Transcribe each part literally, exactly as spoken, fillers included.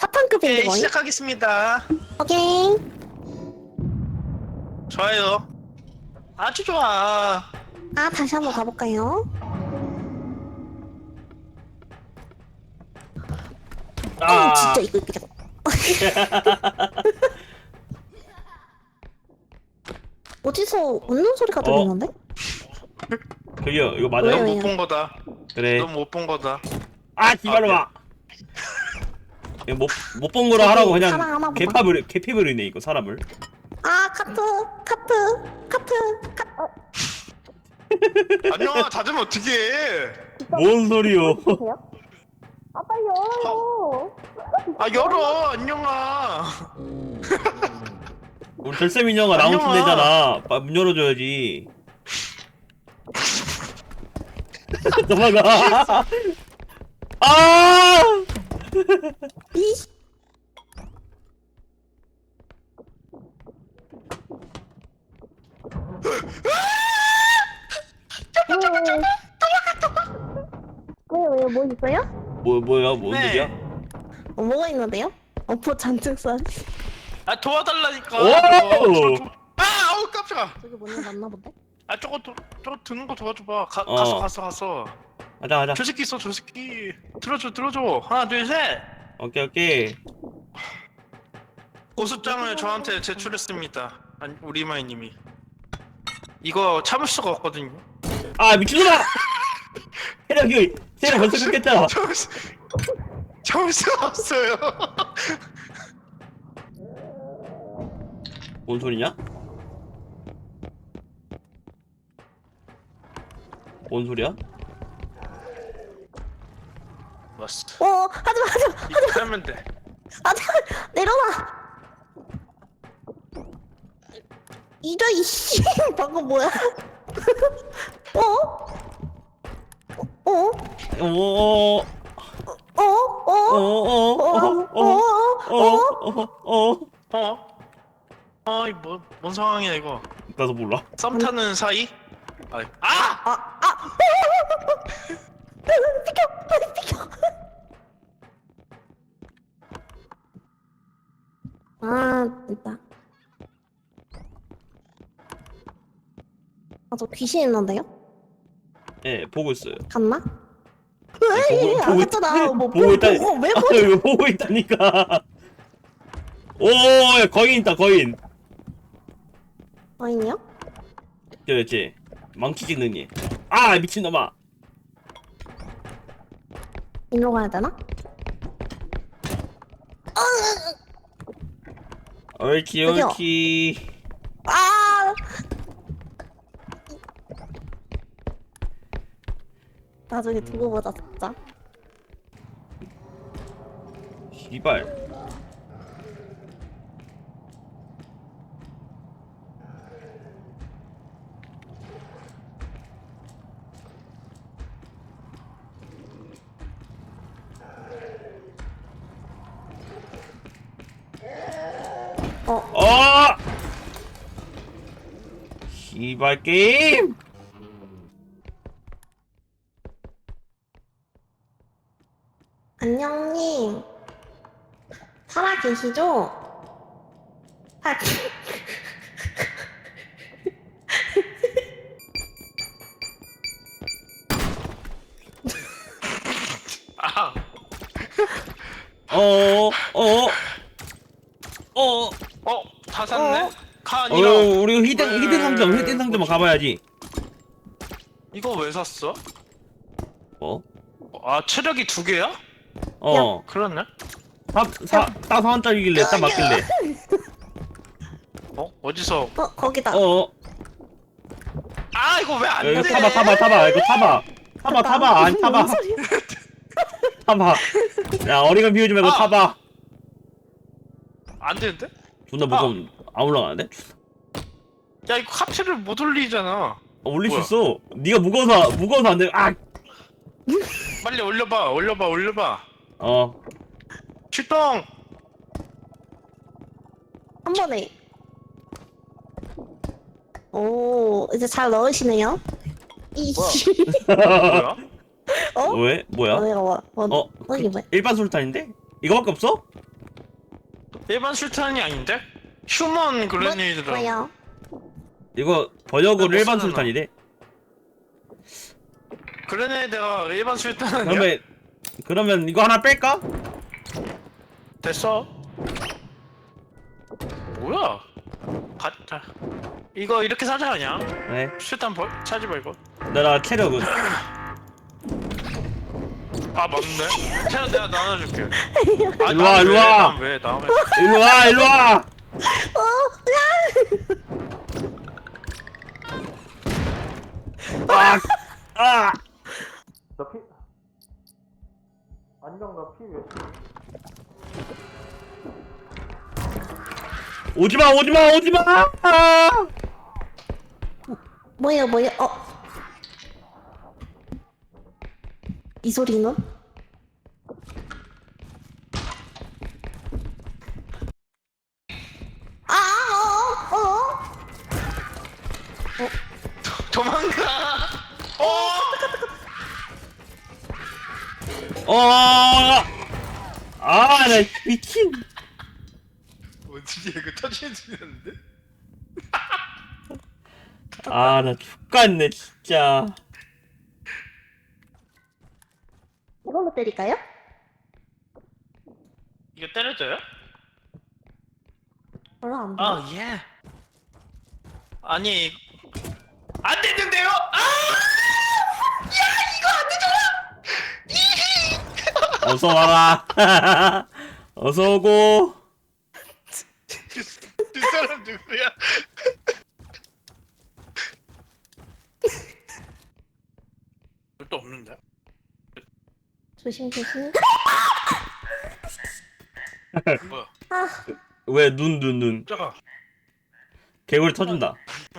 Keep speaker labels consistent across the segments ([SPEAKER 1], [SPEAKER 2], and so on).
[SPEAKER 1] 사탄급인데
[SPEAKER 2] 오케이,
[SPEAKER 1] 거의?
[SPEAKER 2] 시작하겠습니다.
[SPEAKER 1] 오케이.
[SPEAKER 2] 좋아요. 아주 좋아.
[SPEAKER 1] 아, 다시 한번 가볼까요?
[SPEAKER 3] 아,
[SPEAKER 1] 어, 진짜 이거 그냥. 어디서 웃는 소리가 들리는데?
[SPEAKER 3] 저기요, 이거
[SPEAKER 1] 왜요?
[SPEAKER 3] 맞아요?
[SPEAKER 2] 넌 못 본 거다.
[SPEAKER 3] 그래.
[SPEAKER 2] 넌 못 본 거다.
[SPEAKER 3] 아, 기발로 마. 이거 못못 본 거라 하라고 그냥
[SPEAKER 1] 사랑하나 보다.
[SPEAKER 3] 개팝을 개피버리네 이거 사람을.
[SPEAKER 1] 아, 카트, 카트, 카트, 카트. 어,
[SPEAKER 2] 안녕아, 닫으면 어떡해.
[SPEAKER 3] 뭔 소리요?
[SPEAKER 1] 보세요? 아, 빨리 열어요.
[SPEAKER 2] 아, 열어, 안녕아.
[SPEAKER 3] 우리 절세 민영아
[SPEAKER 2] 안녕아.
[SPEAKER 3] 나온 내잖아. 문 열어줘야지. 넘어가. 아!
[SPEAKER 1] 이. 왜요, 왜요, 뭐 있어요?
[SPEAKER 3] 뭐 뭐야? 뭔
[SPEAKER 2] 네.
[SPEAKER 3] 일이야?
[SPEAKER 1] 어, 뭐가 있는데요? 어퍼 잔뜩 쏴.
[SPEAKER 2] 아, 도와달라니까.
[SPEAKER 3] 오!
[SPEAKER 2] 저거, 저거. 아, 아우, 깜짝아.
[SPEAKER 1] 저기 뭔일 맞나 본데?
[SPEAKER 2] 아, 저거, 도, 저거 드는 거 도와줘봐. 가,
[SPEAKER 3] 어.
[SPEAKER 2] 가서, 가서, 가서.
[SPEAKER 3] 가자 가자.
[SPEAKER 2] 저 새끼 있어, 저 새끼. 들어줘, 들어줘. 하나, 둘, 셋.
[SPEAKER 3] 오케이 오케이.
[SPEAKER 2] 고수장을 저한테 제출했습니다. 아니, 우리 마이님이. 이거 참을 수가 없거든요.
[SPEAKER 3] 아 미친놈아! 세력이 세력 벌써 끊겼잖아.
[SPEAKER 2] 참을 수, 참을 수가 없어요.
[SPEAKER 3] 뭔 소리냐? 뭔 소리야?
[SPEAKER 2] 왔어.
[SPEAKER 1] 어, 하지마, 하지마,
[SPEAKER 2] 이렇게 하면 돼.
[SPEAKER 1] 하지마, 내려놔. 이러 이씨, 방금 뭐야? 어? 어? 어?
[SPEAKER 3] 어.
[SPEAKER 1] 어? 어?
[SPEAKER 3] 어어어어어어어어
[SPEAKER 2] 어? 어, 이 뭐, 뭔 상황이야 이거?
[SPEAKER 3] 나도 몰라.
[SPEAKER 2] 썸 타는 사이? 아, 아!
[SPEAKER 1] 아, 아! 비켜! 빨리 비켜! 아, 됐다. 아, 저 귀신 있는데요?
[SPEAKER 3] 예, 보고 있어요.
[SPEAKER 1] 갔나?
[SPEAKER 3] 보고-
[SPEAKER 1] 왜? 안
[SPEAKER 3] 보고 있-
[SPEAKER 1] 갔잖아. 뭐,
[SPEAKER 3] 보고 있다.
[SPEAKER 1] 보고, 왜
[SPEAKER 3] 아,
[SPEAKER 1] 보지?
[SPEAKER 3] 이거 보고 있다니까. 오, 야, 거인 있다, 거인.
[SPEAKER 1] 아니요?
[SPEAKER 3] 그렇지. 망치 찍는 니. 아, 미친놈아.
[SPEAKER 1] 일로 가야 되나?
[SPEAKER 3] 옳지,
[SPEAKER 1] 여기요.
[SPEAKER 3] 옳지.
[SPEAKER 1] 아! 나중에 두고 보자, 진짜.
[SPEAKER 3] 씨발.
[SPEAKER 1] 어,
[SPEAKER 3] 어! 씨발 게임.
[SPEAKER 1] 안녕님. 살아 계시죠? 아,
[SPEAKER 2] 아,
[SPEAKER 3] 어, 어, 어.
[SPEAKER 2] 어, 다 샀네.
[SPEAKER 1] 어?
[SPEAKER 2] 카
[SPEAKER 3] 어,
[SPEAKER 2] 아니라.
[SPEAKER 3] 우리 히든
[SPEAKER 2] 왜-
[SPEAKER 3] 히든 상점, 히든 상점 가봐야지.
[SPEAKER 2] 이거 왜 샀어?
[SPEAKER 3] 뭐?
[SPEAKER 2] 아, 체력이 두 개야?
[SPEAKER 3] 어,
[SPEAKER 2] 그렇네.
[SPEAKER 3] 사, 사, 따서 원짜리길래 딱 맞길래.
[SPEAKER 2] 어? 어디서?
[SPEAKER 1] 어, 거기다.
[SPEAKER 3] 어,
[SPEAKER 2] 아, 이거 왜 안 돼?
[SPEAKER 3] 이거 타봐, 타봐, 타봐, 이거 타봐. 타봐, 타봐, 안 타봐.
[SPEAKER 1] 뭔 소리야?
[SPEAKER 3] 타봐. 야, 어리건 비우지 말고
[SPEAKER 2] 아.
[SPEAKER 3] 타봐.
[SPEAKER 2] 안 되는데?
[SPEAKER 3] 존나 무서운, 안 올라가는데?
[SPEAKER 2] 야, 이거 카트를 못 올리잖아.
[SPEAKER 3] 어, 올릴
[SPEAKER 2] 뭐야?
[SPEAKER 3] 수 있어. 네가 무거워서, 무거워서 안 돼. 아!
[SPEAKER 2] 빨리 올려봐, 올려봐, 올려봐.
[SPEAKER 3] 어.
[SPEAKER 2] 출동!
[SPEAKER 1] 한 번에. 오, 이제 잘 넣으시네요. 이씨.
[SPEAKER 2] 뭐야?
[SPEAKER 1] 어?
[SPEAKER 3] 왜? 뭐야?
[SPEAKER 1] 어, 내가 뭐, 뭐,
[SPEAKER 3] 어?
[SPEAKER 1] 어, 이게 뭐야?
[SPEAKER 3] 일반 술탄인데? 이거밖에 없어?
[SPEAKER 2] 일반 술탄이 아닌데? 휴먼 그레네이드라고.
[SPEAKER 1] 뭐요?
[SPEAKER 3] 이거 번역으로
[SPEAKER 2] 못
[SPEAKER 3] 일반
[SPEAKER 2] 쓰잖아.
[SPEAKER 3] 술탄이래.
[SPEAKER 2] 그레네이드가 일반 술탄 아니야?
[SPEAKER 3] 그러면 그러면 이거 하나 뺄까?
[SPEAKER 2] 됐어. 뭐야? 가자. 이거 이렇게 사자 아니야?
[SPEAKER 3] 네.
[SPEAKER 2] 술탄 벌 사지 말고.
[SPEAKER 3] 내가 체력은.
[SPEAKER 2] 아 맞네. 제가 내가 나눠줄게. 아,
[SPEAKER 3] 일로 와, 일로 와.
[SPEAKER 2] 왜 나왜?
[SPEAKER 3] 일로 와, 일로 와. 아, 아.
[SPEAKER 2] 너 피? 안경 너피 왜?
[SPEAKER 3] 오지마, 오지마, 오지마. 아.
[SPEAKER 1] 뭐예요, 뭐예요? 어? 이 소리는? 아, 어, 어, 어.
[SPEAKER 2] 도망가. 어.
[SPEAKER 3] 어. 아, 나 미친.
[SPEAKER 2] 어떻게 이거 터지는 소리 나는데?
[SPEAKER 3] 아, 나 죽겠네, 진짜.
[SPEAKER 1] 이걸로 때릴까요?
[SPEAKER 2] 이거 때려줘요?
[SPEAKER 1] 별로 안 돼.
[SPEAKER 2] 아 예. 아니 안 됐는데요? 아!
[SPEAKER 3] 어서 와라. 어서 오고.
[SPEAKER 2] 두 사람 누구야? 또 없는데?
[SPEAKER 1] 조심, 조심.
[SPEAKER 2] 뭐야?
[SPEAKER 1] 아,
[SPEAKER 3] 왜 눈, 눈, 눈.
[SPEAKER 2] 잠깐.
[SPEAKER 3] 개구리 터진다.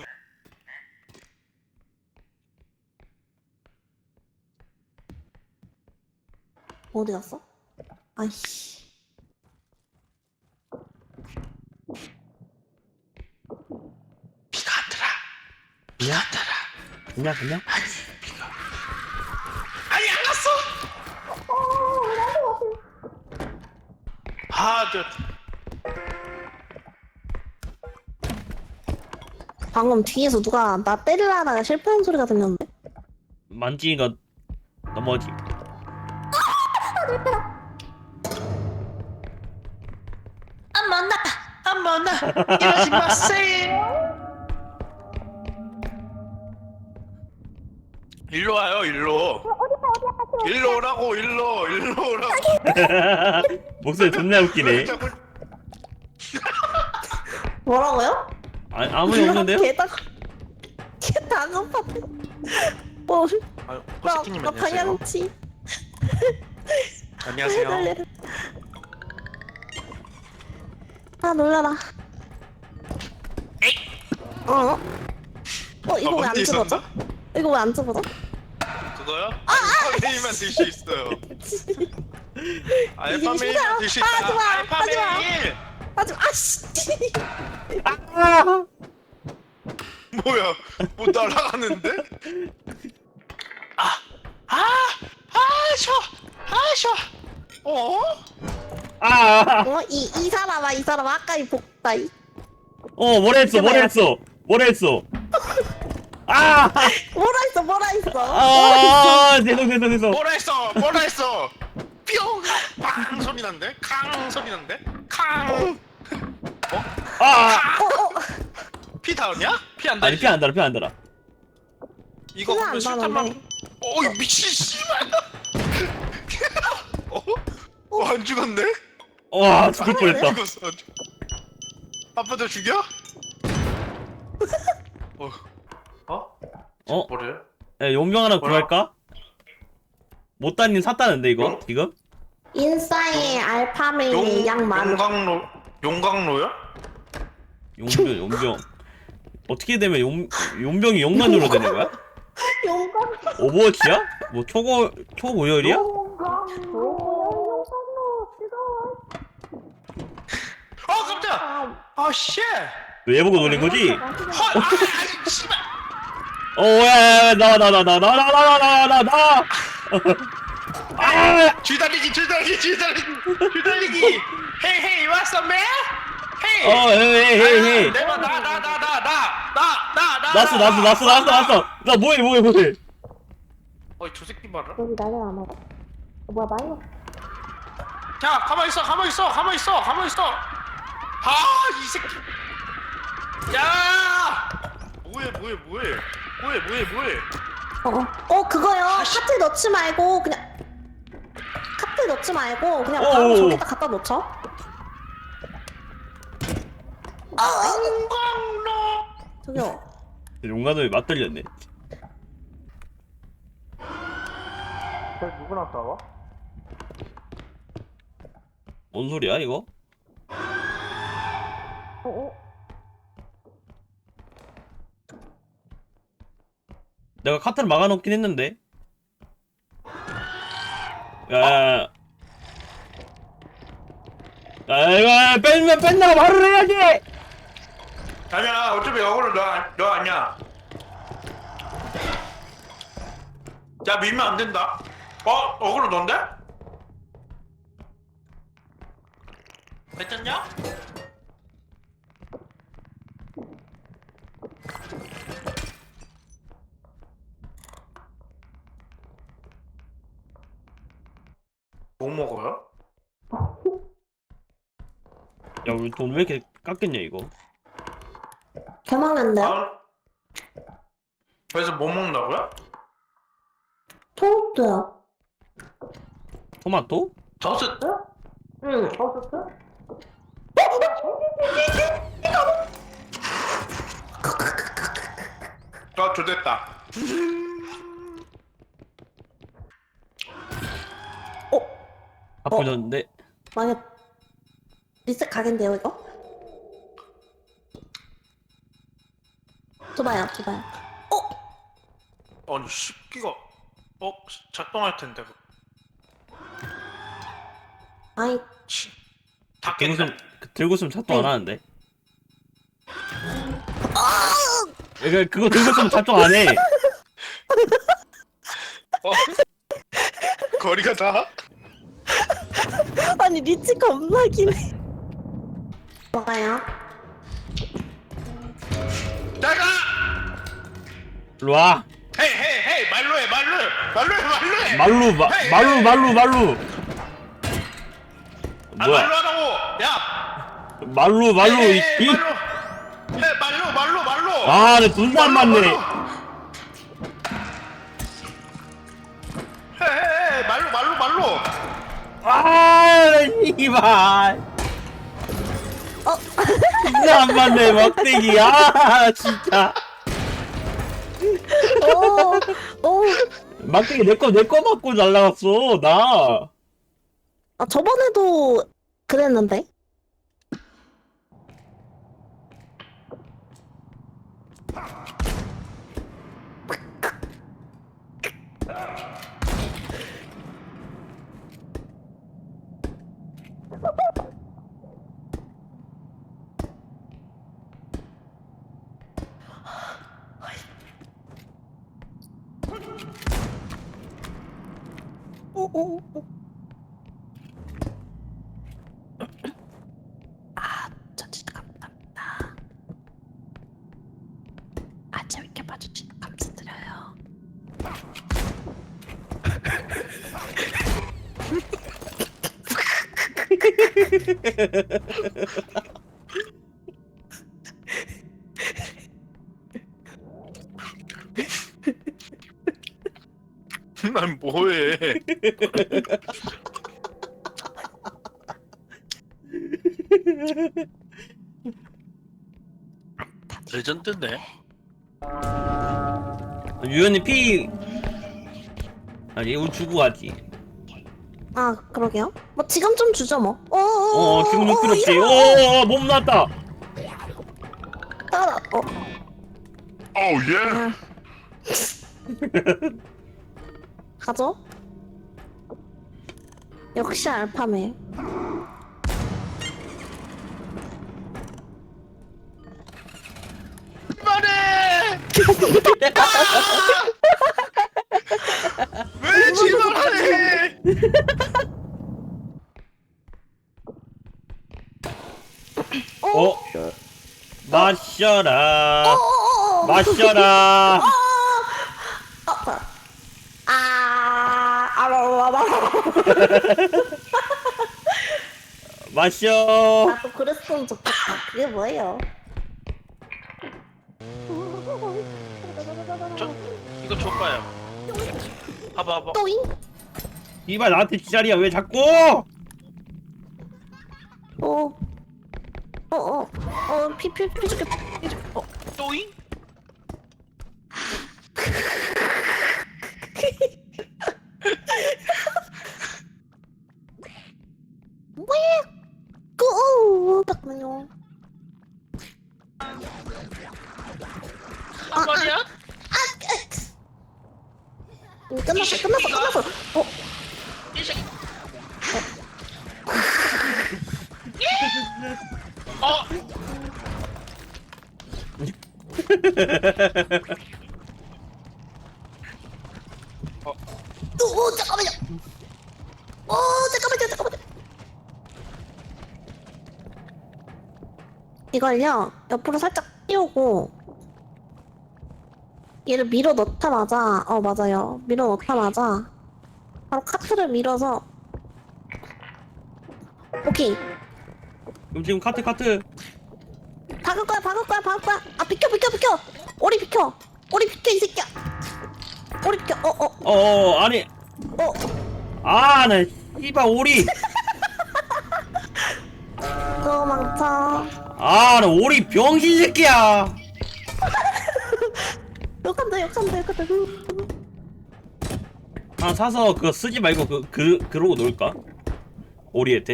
[SPEAKER 1] 어디 갔어? 아이씨.
[SPEAKER 2] 비가 안 들어.
[SPEAKER 3] 그냥?
[SPEAKER 2] 안 들어.
[SPEAKER 3] 그냥, 그냥?
[SPEAKER 2] 아니 비가. 아니 안 갔어. 아, 저
[SPEAKER 1] 방금 뒤에서 누가 나 때리려다가 실패한 소리가 들렸는데?
[SPEAKER 3] 만지니까 넘어지.
[SPEAKER 2] 안 만나. 안 만나. 이러지 마세요. 일로 와요, 일로. 일로 오라고, 일로, 일로 오라고.
[SPEAKER 3] 목소리 존나 웃기네.
[SPEAKER 2] 자꾸
[SPEAKER 1] 뭐라고요?
[SPEAKER 3] 아, 아무리 없는데요?
[SPEAKER 1] 개다 개다 급한데. 뭐?
[SPEAKER 2] 아유,
[SPEAKER 1] 나,
[SPEAKER 2] 호스키님
[SPEAKER 1] 나
[SPEAKER 2] 안녕하세요.
[SPEAKER 1] 방향치.
[SPEAKER 2] 안녕하세요.
[SPEAKER 1] 놀래라. 아 놀라라. 어? 어 이거 왜 안
[SPEAKER 2] 언니
[SPEAKER 1] 집어져?
[SPEAKER 2] 있었나?
[SPEAKER 1] 이거 왜 안 집어져?
[SPEAKER 2] 그거요? 알파 메일만 들 수 있어요. 알파
[SPEAKER 1] 이게
[SPEAKER 2] 메일만 들 수
[SPEAKER 1] 싫어요.
[SPEAKER 2] 있다.
[SPEAKER 1] 아, 좋아.
[SPEAKER 2] 알파
[SPEAKER 1] 하지 마.
[SPEAKER 2] 메일.
[SPEAKER 1] 아주 아씨.
[SPEAKER 3] 아!
[SPEAKER 2] 뭐야? 뭐 날아가는데? 아, 아, 아, 쉬어, 아, 쉬어. 어?
[SPEAKER 3] 아!
[SPEAKER 1] 어이 이 사람아 이 사람 아까 이 복다이.
[SPEAKER 3] 어, 뭐라 했어, 뭐라 했어, 뭐라 했어. 아!
[SPEAKER 1] 뭐라 했어 뭐라 했어.
[SPEAKER 3] 아! 죄송, 죄송, 죄송.
[SPEAKER 2] 뭐라 했어? 뭐라 했어? 뿅! 빵 소리 난데? 캉 소리 난데? 캉!
[SPEAKER 3] 아!
[SPEAKER 2] 피 닿았냐? 피 안 닿지?
[SPEAKER 3] 아니, 피 안 달아, 피 안 달아.
[SPEAKER 2] 이거
[SPEAKER 1] 피가
[SPEAKER 2] 그러면
[SPEAKER 1] 안
[SPEAKER 2] 술탄만
[SPEAKER 1] 나는데.
[SPEAKER 2] 어이 미친 씨발 어? 어? 안 죽었네?
[SPEAKER 3] 와, 죽을
[SPEAKER 2] 안
[SPEAKER 3] 뻔했다.
[SPEAKER 2] 죽었어 안 죽- 아빠도 죽여? 어? 어?
[SPEAKER 3] 어?
[SPEAKER 2] 뭐래요?
[SPEAKER 3] 야, 용병 하나
[SPEAKER 2] 뭐야?
[SPEAKER 3] 구할까? 못다님 샀다는데, 이거?
[SPEAKER 2] 용?
[SPEAKER 3] 지금?
[SPEAKER 1] 인싸의 알파메이
[SPEAKER 2] 용,
[SPEAKER 1] 양 많은.
[SPEAKER 2] 용광로 용광로야?
[SPEAKER 3] 용병, 용병. 어떻게 되면 용, 용병이 용만으로 되는 거야?
[SPEAKER 1] 용광.
[SPEAKER 3] 오버워치야? 뭐, 초고, 초고열이야?
[SPEAKER 1] 용광로
[SPEAKER 2] 어 깜짝! 아 쉣!
[SPEAKER 3] 왜 보고 놀린 거지?
[SPEAKER 2] 헐! 아 아니 씨발!
[SPEAKER 3] 어, 야, 야, 나와, 나와, 나와, 나와, 나와, 나와, 나와, 나와, 나와! 아!
[SPEAKER 2] 줄 달리기 줄 달리기 줄 달리기 줄 달리기 Hey, hey, what's up, man? Hey.
[SPEAKER 3] 어 헤이 헤이 헤이
[SPEAKER 2] 내가 나 나 나 나 나 나 나나
[SPEAKER 3] 났어 났어 났어 났어 났어 나 뭐해 뭐해 뭐해
[SPEAKER 2] 어이 저 새끼 봐라.
[SPEAKER 1] 여기 나를 안 와. 어, 뭐야 마이너?
[SPEAKER 2] 자, 가만 있어, 가만 있어, 가만 있어, 가만 있어. 아, 이 새끼. 야! 뭐해, 뭐해, 뭐해, 뭐해, 뭐해, 뭐해.
[SPEAKER 1] 어, 어 그거요. 카트 넣지 말고 그냥 카트 넣지 말고 그냥 바로
[SPEAKER 3] 어어.
[SPEAKER 1] 저기다 갖다 놓죠.
[SPEAKER 2] 용광로.
[SPEAKER 1] 저기요.
[SPEAKER 3] 용가노에 맞들렸네
[SPEAKER 2] 쟤 누구랑 싸워?
[SPEAKER 3] 뭔 소리야 이거?
[SPEAKER 1] 어, 어.
[SPEAKER 3] 내가 카트를 막아놓긴 했는데 야야야 야 이거 뺀, 뺀다고 말을 해야지
[SPEAKER 2] 아니야, 어차피 어그로 너, 아- 너 아니야. 야, 밀면 안 된다. 어, 어그로 넌데? 괜찮냐? 뭐 먹어요?
[SPEAKER 3] 야 우리 돈 왜 이렇게 깎겠냐 이거
[SPEAKER 1] 개망난데요?
[SPEAKER 2] 아, 그래서 뭐 먹는다고요?
[SPEAKER 1] 토스트요.
[SPEAKER 3] 토마토?
[SPEAKER 2] 저스
[SPEAKER 1] 응. 토스트?
[SPEAKER 2] 아, 좋됐다.
[SPEAKER 1] 어?
[SPEAKER 3] 바쁘졌는데
[SPEAKER 1] 만약 리셋 가겠는데요 이거? 줘봐요, 줘봐요. 어?
[SPEAKER 2] 아니 십기가 어 작동할 텐데.
[SPEAKER 1] 아이,
[SPEAKER 2] 치.
[SPEAKER 3] 들고
[SPEAKER 2] 닫겠네.
[SPEAKER 3] 있으면 들고 있으면 작동 안 하는데 그러니까 그거 들고 있으면 작동 안해
[SPEAKER 2] 어? 거리가 다?
[SPEAKER 1] 아니 리치 겁나 기네. 뭐가요?
[SPEAKER 2] 나가!
[SPEAKER 3] 일로와
[SPEAKER 2] 헤이 헤이 헤이 말로 해 말로 해 말로 해 말로 해.
[SPEAKER 3] 말루 마,
[SPEAKER 2] 헤이,
[SPEAKER 3] 말루
[SPEAKER 2] 헤이.
[SPEAKER 3] 말루 말루
[SPEAKER 2] 아
[SPEAKER 3] 뭐야
[SPEAKER 2] 말로 하라고. 야.
[SPEAKER 3] 말루 말루
[SPEAKER 2] 헤이,
[SPEAKER 3] 이
[SPEAKER 2] 헤이, 말로. 해 말로 말로 말로.
[SPEAKER 3] 아내 돈도 안 맞네
[SPEAKER 2] 헤헤 말로 말로 말로.
[SPEAKER 3] 아 이발
[SPEAKER 1] 어?
[SPEAKER 3] 진짜 안 맞네 막대기 아 진짜
[SPEAKER 1] 오, 오.
[SPEAKER 3] 막대기 내거 내 거 맞고 날라갔어 나
[SPEAKER 1] 아 저번에도 그랬는데. 오, 오, 오. 아, 저 진짜 감사합니다. 아, 재밌게 봐주셔서 감사드려요.
[SPEAKER 2] 난 뭐해? 레전드네.
[SPEAKER 3] 유연이 피 아니 이거 주고 가지
[SPEAKER 1] 아, 그러게요. 뭐 지금 좀 주죠 뭐. 어,
[SPEAKER 3] 어 지금 줄 필요 없지
[SPEAKER 1] 이러면-
[SPEAKER 3] 어몸 났다
[SPEAKER 1] 따라. 어.
[SPEAKER 2] 오우 예.
[SPEAKER 1] 아. 가죠? 역시 알파메.
[SPEAKER 2] 그만해! 왜 지랄해?
[SPEAKER 3] 어? 마셔라.
[SPEAKER 1] 어어어.
[SPEAKER 3] 마셔라.
[SPEAKER 1] 어, 뭐야. 아, 아라라라.
[SPEAKER 3] 마셔.
[SPEAKER 1] 나도 그랬으면 좋겠다. 그게 뭐예요?
[SPEAKER 2] 저 이거 줘봐요. 봐봐 봐봐.
[SPEAKER 1] 또잉?
[SPEAKER 3] 이봐 나한테 지랄이야 왜 자꾸?
[SPEAKER 1] 어. 어, 어. 어, 피, 피, 피 줄게. 피 줄게. 어.
[SPEAKER 2] 또잉?
[SPEAKER 1] 왜? 그, 어, 잠깐만요.
[SPEAKER 2] 한 마리야?
[SPEAKER 1] 음, 끝났어, 끝났어, 끝났어. 어,
[SPEAKER 2] 이 새끼. 어? 어?
[SPEAKER 1] 어, 잠깐만요. 어, 잠깐만요, 잠깐만요. 이걸요, 옆으로 살짝 띄우고, 얘를 밀어 넣자마자, 어, 맞아요. 밀어 넣자마자, 바로 카트를 밀어서, 오케이.
[SPEAKER 3] 그럼 지금 카트 카트.
[SPEAKER 1] 박을 거야, 박을 거야, 박을 거야. 아, 비켜, 비켜, 비켜. 오리 비켜. 오리 비켜, 이 새끼야. 오리 비켜. 어, 어,
[SPEAKER 3] 어어 아니.
[SPEAKER 1] 어.
[SPEAKER 3] 아나 씨발 오리.
[SPEAKER 1] 도망쳐.
[SPEAKER 3] 아나 오리 병신 새끼야.
[SPEAKER 1] 욕한다, 욕한다, 욕한다.
[SPEAKER 3] 하나 사서 그거 쓰지 말고 그, 그 그러고 놀까? 오리한테?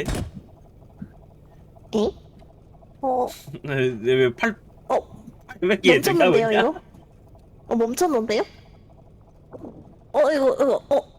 [SPEAKER 1] 에? 어,
[SPEAKER 3] 왜팔
[SPEAKER 1] 어.
[SPEAKER 3] 팔백 개
[SPEAKER 1] 멈췄는데요, 이거? 어, 멈췄는데요? 어, 이거, 이거, 어.